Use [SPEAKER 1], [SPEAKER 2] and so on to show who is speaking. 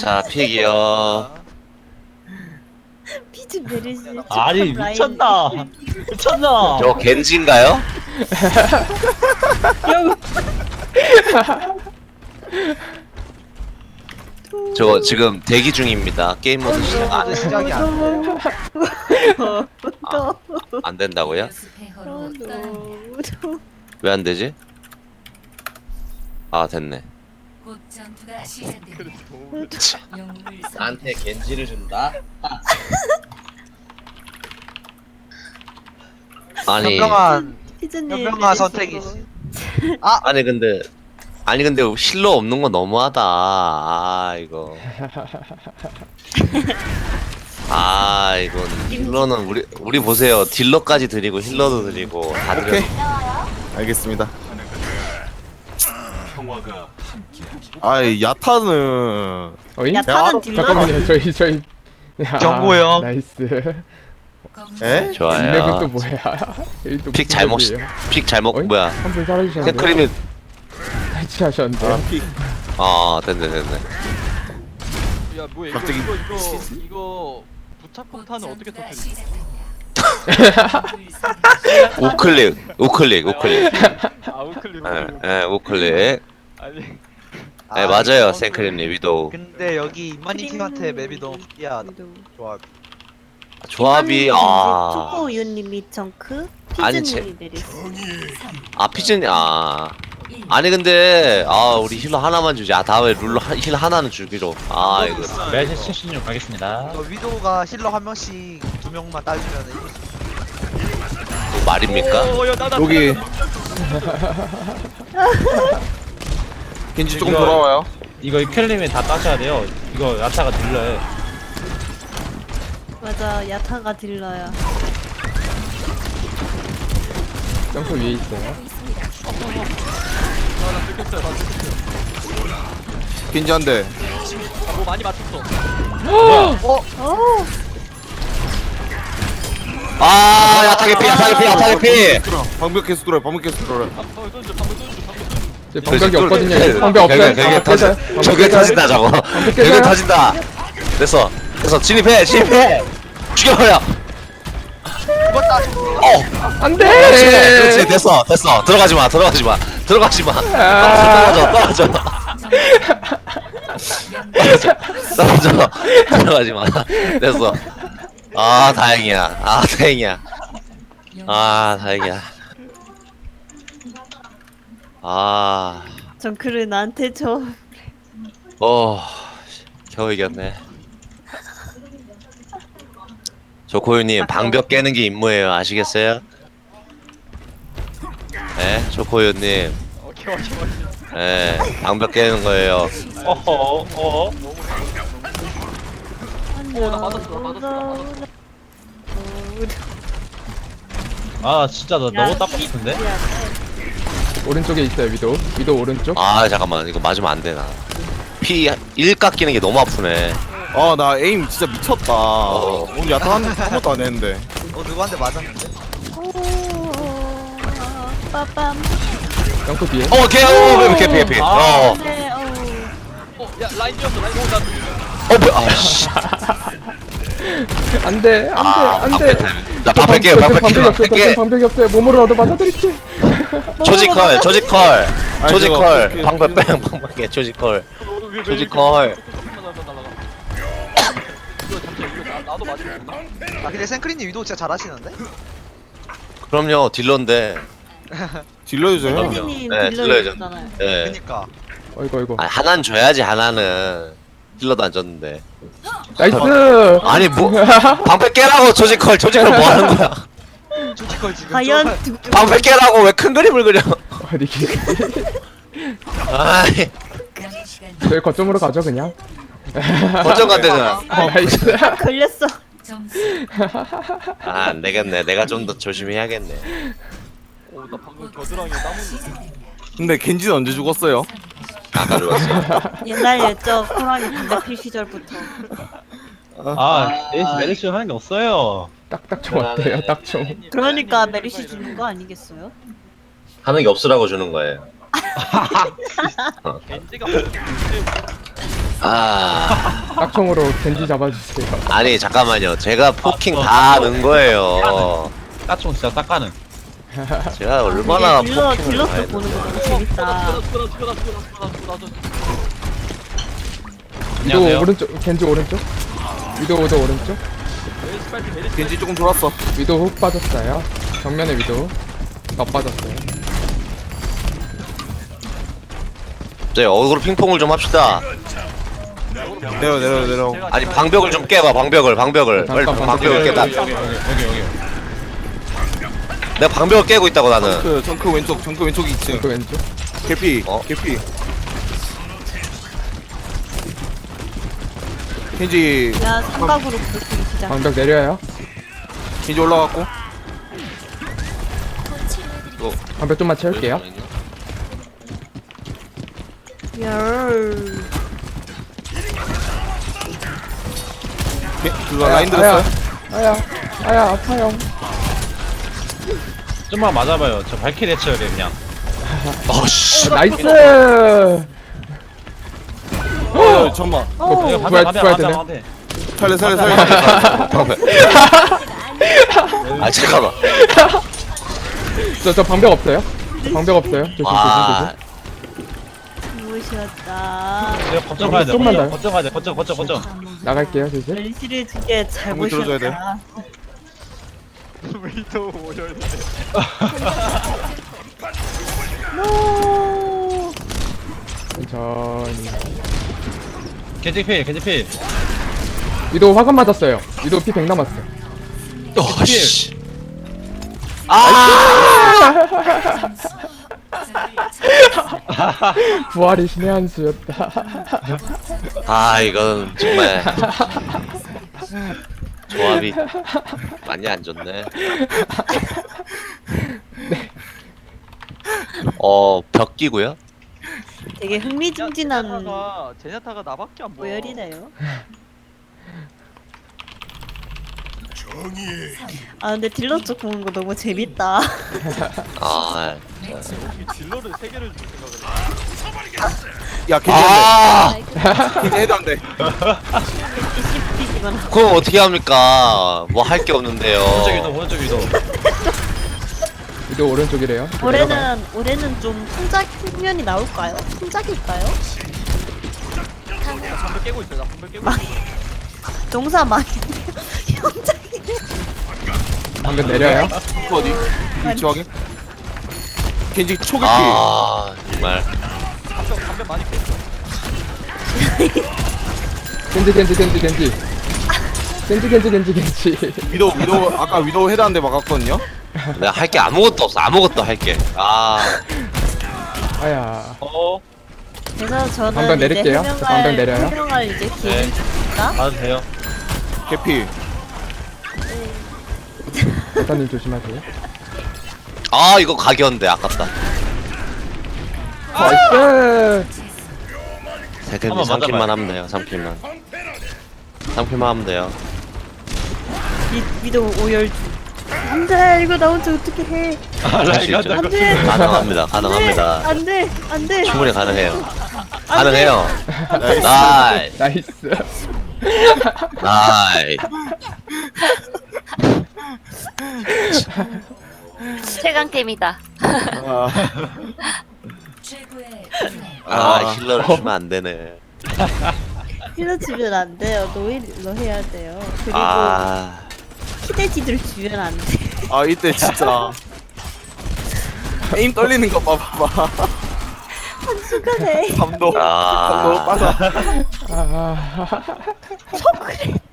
[SPEAKER 1] 자, 픽이요.
[SPEAKER 2] 피즈 메르시.
[SPEAKER 3] 아니 미쳤나? 미쳤나?
[SPEAKER 1] 저 겐지인가요? 저 지금 대기 중입니다. 게임 모드 시작
[SPEAKER 4] 시작이 안 돼요.
[SPEAKER 1] 안 된다고요?
[SPEAKER 2] 너무
[SPEAKER 1] 왜 안 되지? 아, 됐네.
[SPEAKER 5] 곧 전투가 시작됩니다. 영웅을
[SPEAKER 1] 나한테 겐지를 준다? 아니,
[SPEAKER 2] 피즈님
[SPEAKER 4] 현명한 선택이지.
[SPEAKER 1] 아니 근데 힐러 없는 건 너무하다. 아, 이거. 아, 이건 힐러는 우리 보세요. 딜러까지 드리고 힐러도 드리고 다
[SPEAKER 6] 오케이.
[SPEAKER 1] 드려.
[SPEAKER 6] 알겠습니다. 아이 야타는
[SPEAKER 7] 어이?
[SPEAKER 2] 야타는 딜러.
[SPEAKER 7] 잠깐만요 저희
[SPEAKER 4] 경고요.
[SPEAKER 7] 나이스.
[SPEAKER 6] 에?
[SPEAKER 1] 좋아요.
[SPEAKER 7] 이맵은 또 뭐야? 여기 또
[SPEAKER 1] 픽
[SPEAKER 7] 무슨
[SPEAKER 1] 잘못
[SPEAKER 7] 맵이에요?
[SPEAKER 1] 픽 잘못
[SPEAKER 7] 어이?
[SPEAKER 1] 뭐야?
[SPEAKER 7] 한분 사라지셨는데
[SPEAKER 1] 생크림이
[SPEAKER 7] 탈취하셨는데
[SPEAKER 6] 픽.
[SPEAKER 1] 됐네.
[SPEAKER 8] 야 뭐야
[SPEAKER 6] 갑자기
[SPEAKER 8] 이거 부착
[SPEAKER 5] 곧
[SPEAKER 8] 폭탄은 어떻게
[SPEAKER 5] 전투가
[SPEAKER 8] 터뜨리지?
[SPEAKER 5] 시작됩니다.
[SPEAKER 1] 우클릭.
[SPEAKER 8] 아 우클릭
[SPEAKER 1] 예, 우클릭.
[SPEAKER 8] 아니
[SPEAKER 1] 네, 맞아요. 생크림님 위도우.
[SPEAKER 4] 근데 여기 이만희 팀한테 맵이 너무 특이하다. 조합.
[SPEAKER 1] 조합이
[SPEAKER 2] 초코 우유님이 정크,
[SPEAKER 1] 아니,
[SPEAKER 2] 피즈님이 메르시.
[SPEAKER 1] 피즈니 아니 근데 우리 힐러 하나만 주지. 다음에 룰러 힐 하나는 주기로. 이거
[SPEAKER 3] 매진 76 가겠습니다.
[SPEAKER 4] 이거 위도우가 힐러 한 명씩 두 명만 따주면 이길 수
[SPEAKER 1] 또 말입니까?
[SPEAKER 6] 여기 겐지 조금 돌아와요.
[SPEAKER 3] 이거 이클림이 다 따셔야 돼요. 이거 야타가 딜러해.
[SPEAKER 2] 맞아, 야타가 딜러야.
[SPEAKER 7] 점프 위에 있어요.
[SPEAKER 6] 겐지 한 대.
[SPEAKER 8] 뭐 많이 맞췄어.
[SPEAKER 1] 야타게피.
[SPEAKER 6] 방벽 계속 돌아요. 방벽 계속 돌아요.
[SPEAKER 7] 제 방벽이 없거든요. 방벽 없어요.
[SPEAKER 1] 벽에
[SPEAKER 7] 방벽
[SPEAKER 1] 저게 터진다 저거. 벽에
[SPEAKER 7] 깨져요?
[SPEAKER 1] 터진다. 됐어. 진입해. 죽여버려.
[SPEAKER 7] 안돼.
[SPEAKER 1] 그렇지. 됐어. 들어가지 마. 떨어져. 들어가지 마. 됐어. 다행이야. 다행이야.
[SPEAKER 2] 정크를 나한테 줘.
[SPEAKER 1] 겨우 이겼네. 조코유님, 방벽 깨는 게 임무예요. 아시겠어요? 네, 조코유님.
[SPEAKER 8] 오케이.
[SPEAKER 1] 네, 방벽 깨는 거예요.
[SPEAKER 8] 나 맞았어.
[SPEAKER 3] 아 진짜 너 너무 따고 싶은데?
[SPEAKER 7] 오른쪽에 있어요 위도 오른쪽.
[SPEAKER 1] 잠깐만. 이거 맞으면 안 되나. 피 1 깎이는 게 너무 아프네.
[SPEAKER 6] 나 에임 진짜 미쳤다. 오늘 야타 아무것도 안 했는데.
[SPEAKER 4] 누구한테 맞았는데?
[SPEAKER 2] 빠밤.
[SPEAKER 7] 점프 뒤에.
[SPEAKER 1] 개피.
[SPEAKER 2] 네,
[SPEAKER 8] 야 라인 지었어. 라인 나
[SPEAKER 1] 뭐야. 씨.
[SPEAKER 7] 안돼.
[SPEAKER 1] 나 방패
[SPEAKER 7] 방벽이 없어요. 몸으로 얻어 맞아드릴게.
[SPEAKER 1] 조지컬.
[SPEAKER 6] 저거
[SPEAKER 1] 방패 뺑. 조지컬.
[SPEAKER 8] 나도 맞았구나.
[SPEAKER 4] 근데 생크린님 위도우 진짜 잘하시는데?
[SPEAKER 1] 그럼요. 딜러인데.
[SPEAKER 6] 딜러유저요.
[SPEAKER 2] 피즈님
[SPEAKER 1] 네,
[SPEAKER 2] 딜러였잖아요.
[SPEAKER 1] 네.
[SPEAKER 4] 그니까.
[SPEAKER 7] 어이구.
[SPEAKER 1] 하나는 줘야지. 하나는. 힐러도 안 줬는데.
[SPEAKER 7] 나이스.
[SPEAKER 1] 아니 방패 깨라고. 조지컬 뭐 하는 거야?
[SPEAKER 4] 조지컬 지금
[SPEAKER 2] 과연
[SPEAKER 1] 방패 깨라고. 왜 큰 그림을 그려?
[SPEAKER 7] 어디 기
[SPEAKER 1] 아이,
[SPEAKER 5] 남은 시간
[SPEAKER 7] 저희 거점으로 가죠 그냥.
[SPEAKER 1] 거점 간대잖아.
[SPEAKER 7] 나이스.
[SPEAKER 2] 걸렸어.
[SPEAKER 5] 점수
[SPEAKER 1] 안 되겠네. 내가 좀 더 조심히 해야겠네.
[SPEAKER 8] 나 방금 겨드랑이에 땀 흘렸어.
[SPEAKER 6] 근데 겐지는 언제 죽었어요?
[SPEAKER 1] 아까 죽었어.
[SPEAKER 2] 옛날 옛적 호랑이 반대필 시절부터.
[SPEAKER 3] 메르시 하는 게 없어요.
[SPEAKER 7] 딱딱 좀 어때요? 딱 좀.
[SPEAKER 2] 그러니까 메리시 주는 거 아니겠어요?
[SPEAKER 1] 하는 게 없으라고 주는 거예요.
[SPEAKER 8] 겐지가
[SPEAKER 1] 아.
[SPEAKER 7] 딱총으로 겐지 잡아주세요.
[SPEAKER 1] 아니 잠깐만요. 제가 포킹 다 넣은 거예요.
[SPEAKER 3] 딱총 진짜 딱 가는.
[SPEAKER 1] 제가 얼마나
[SPEAKER 2] 이게
[SPEAKER 1] 포킹을
[SPEAKER 2] 딜러스
[SPEAKER 1] 많이
[SPEAKER 2] 보는 거
[SPEAKER 1] 넣었어요.
[SPEAKER 2] 너무 재밌다.
[SPEAKER 7] 위도
[SPEAKER 3] 안녕하세요.
[SPEAKER 7] 오른쪽, 겐지 오른쪽. 위도 오른쪽.
[SPEAKER 6] 겐지 조금 돌았어.
[SPEAKER 7] 위도 훅 빠졌어요. 정면에 위도 더 빠졌어요.
[SPEAKER 1] 네, 어그로 핑퐁을 좀 합시다.
[SPEAKER 6] 내려.
[SPEAKER 1] 아니 방벽을 좀 깨봐. 방벽을 빨리
[SPEAKER 7] 잠깐,
[SPEAKER 1] 방벽을 깨봐.
[SPEAKER 3] 여기.
[SPEAKER 1] 내가 방벽을 깨고 있다고 나는.
[SPEAKER 6] 정크 왼쪽 2층.
[SPEAKER 7] 그 왼쪽.
[SPEAKER 6] 개피.
[SPEAKER 1] 어?
[SPEAKER 6] 개피. 겐지
[SPEAKER 2] 야 삼각으로 부르기 시작.
[SPEAKER 7] 방벽 내려요.
[SPEAKER 6] 겐지 올라갔고.
[SPEAKER 7] 방벽 좀만 채울게요.
[SPEAKER 2] 열.
[SPEAKER 6] 그거 라인 들었어요.
[SPEAKER 7] 아야 아파요.
[SPEAKER 3] 좀만 맞아봐요. 저 발키리 해쳐야 돼 그냥.
[SPEAKER 1] 어씨.
[SPEAKER 7] 나이스.
[SPEAKER 6] 잠깐만.
[SPEAKER 2] 어.
[SPEAKER 3] 이거
[SPEAKER 7] 부활
[SPEAKER 3] 반대.
[SPEAKER 7] 되네.
[SPEAKER 6] 살려.
[SPEAKER 1] 아 잠깐만.
[SPEAKER 7] 저 방벽 없어요. 방벽 없어요. 조심.
[SPEAKER 1] 와.
[SPEAKER 2] 무시했다.
[SPEAKER 3] 이거 거점 가야 돼.
[SPEAKER 7] 좀만 더요.
[SPEAKER 3] 거점 가야 돼. 거점.
[SPEAKER 7] 나갈게요 조심.
[SPEAKER 2] 멜시를 두개 잘
[SPEAKER 6] 공을 들어줘야 돼.
[SPEAKER 2] 보셨다.
[SPEAKER 8] 위도 오열.
[SPEAKER 2] 노.
[SPEAKER 7] 천천히.
[SPEAKER 3] 겐지 필.
[SPEAKER 7] 위도 화관 맞았어요. 위도 피 100 남았어.
[SPEAKER 1] 어씨.
[SPEAKER 7] 부활이 신의 한 수였다.
[SPEAKER 1] 아 이건 정말 조합이 많이 안 좋네. 벽 끼고요.
[SPEAKER 2] 되게 흥미진진한
[SPEAKER 8] 제냐타가 나밖에 안 보여.
[SPEAKER 2] 모열이네요. 아 근데 딜러 쪽 보는 거 너무 재밌다.
[SPEAKER 1] 아,
[SPEAKER 8] 이 딜러를 3개를 줄 생각을 해.
[SPEAKER 6] 야 겐지 겐지 해도 안 돼.
[SPEAKER 2] 씹히기만
[SPEAKER 1] 그럼 어떻게 합니까? 뭐 할 게 없는데요.
[SPEAKER 3] 오른쪽 위도.
[SPEAKER 7] 위도 오른쪽이래요.
[SPEAKER 2] 올해는 좀 풍작 풍년이 나올까요? 풍작일까요?
[SPEAKER 8] 나 방벽 깨고 있어. 나 방벽 깨고 있어.
[SPEAKER 2] 농사 망했네요. 현장이.
[SPEAKER 7] 방벽 내려요.
[SPEAKER 6] 어디? 위치 확인. 겐지 초계피.
[SPEAKER 1] 아 정말.
[SPEAKER 8] 방벽 많이 깼어.
[SPEAKER 7] 겐지.
[SPEAKER 6] 위도 아까 위도 해도 안 돼 막았거든요.
[SPEAKER 1] 내가 할 게 아무것도 없어. 아무것도 할 게. 아
[SPEAKER 7] 아야.
[SPEAKER 2] 그래서 저는
[SPEAKER 7] 방벽
[SPEAKER 2] 이제
[SPEAKER 7] 내릴게요. 저 방벽 내려요.
[SPEAKER 2] 해명할 이제 기회를 줍니다.
[SPEAKER 3] 가도 돼요.
[SPEAKER 6] 개피.
[SPEAKER 7] 대사님 조심하세요.
[SPEAKER 1] 아 이거 각이었는데 아깝다.
[SPEAKER 7] 나이스.
[SPEAKER 1] 세근이
[SPEAKER 3] 한번
[SPEAKER 1] 3킬만
[SPEAKER 3] 맞아봐요.
[SPEAKER 1] 하면 돼요. 3킬만 하면 돼요.
[SPEAKER 2] 위도 오열. 안돼 이거 나 혼자 어떻게 해?
[SPEAKER 1] 할 수 있죠.
[SPEAKER 2] 안돼.
[SPEAKER 1] 가능합니다.
[SPEAKER 2] 안돼.
[SPEAKER 1] 충분히 가능해요. 가능해요. 나이스.
[SPEAKER 7] 나이스.
[SPEAKER 9] 최강템이다.
[SPEAKER 5] 최고의
[SPEAKER 1] 힐러를 주면 안 되네.
[SPEAKER 2] 힐러 주면 안 돼요. 노일로 해야 돼요. 그리고
[SPEAKER 1] 아
[SPEAKER 2] 키대지들 주면 안 돼.
[SPEAKER 6] 아 이때 진짜 에임 떨리는 거 봐봐.
[SPEAKER 2] 한순간에
[SPEAKER 6] 감독.
[SPEAKER 1] 아.
[SPEAKER 6] 감독 빠져.
[SPEAKER 7] 아.
[SPEAKER 2] 초콜릿.